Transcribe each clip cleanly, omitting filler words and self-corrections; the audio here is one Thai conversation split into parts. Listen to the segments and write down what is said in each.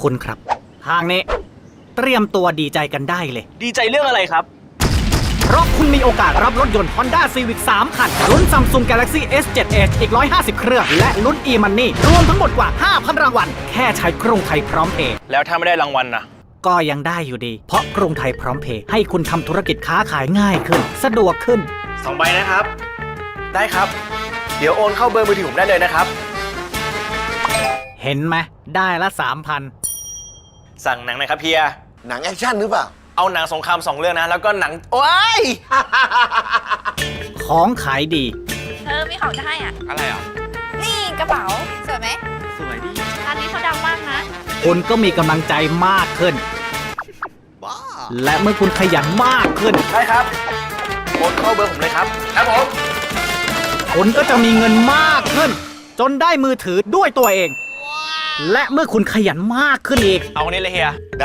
คุณครับทางนี้เตรียมตัวดีใจกันได้เลยดีใจเรื่องอะไรครับเพราะคุณมีโอกาสรับรถยนต์ Honda Civic 3 คันลุ้น Samsung Galaxy S7 Edge อีก 150 เครื่อง และลุ้น e-money รวมทั้งหมดกว่า 5,000 รางวัล แค่ใช้กรุงไทยพร้อมเพย์แล้วถ้าไม่ได้รางวัลนะก็ยังได้อยู่ดี เพราะกรุงไทยพร้อมเพย์ให้คุณทำธุรกิจค้าขายง่ายขึ้น สะดวกขึ้น 2 ใบนะครับ ได้ครับ เดี๋ยวโอนเข้าเบอร์มือถือผมได้เลยนะครับเห็นไหมได้ละสั่งหนังหน่อยครับเฮียหนังแอคชั่นหรือเปล่าเอาหนังสงคราม2 เรื่องนะ แล้วก็หนัง โอ้ย 3,000 ของขายดีมีของจะให้อ่ะอะไรอ่ะนี่กระเป๋า สวยไหมสวยดีอันนี้เขาดังมากนะคุณก็มีกำลังใจมากขึ้น และเมื่อคุณขยันมากขึ้นได้ครับ โอนเข้าเบอร์ผมเลยครับ ครับผมคุณก็จะมีเงินมากขึ้น จนได้มือถือด้วยตัวเอง และเมื่อคุณขยันมากขึ้นอีกเอาอันนี้เลยเฮียได้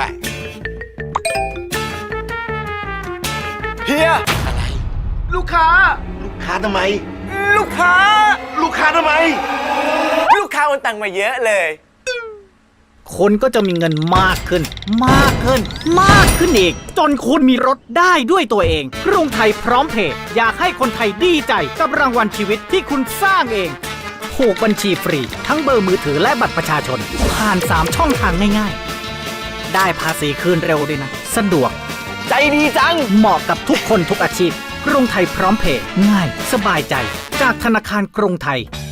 เฮียอะไรลูกค้าลูกค้าทำไมลูกค้าลูกค้าทำไมลูกค้าโอนตังค์มาเยอะเลยคุณก็จะมีเงินมากขึ้น มากขึ้น มากขึ้นอีก จนคุณมีรถได้ด้วยตัวเองกรุงไทยพร้อมเพย์อยากให้คนไทยดีใจกับรางวัลชีวิตที่คุณสร้างเองผูกบัญชีฟรี ทั้งเบอร์มือถือและบัตรประชาชน ผ่าน 3 ช่องทางง่ายๆ ได้ภาษีคืนเร็วด้วยนะ สะดวกใจดีจังเหมาะกับทุกคนทุกอาชีพกรุงไทยพร้อมเพย์ง่าย สบายใจ จากธนาคารกรุงไทย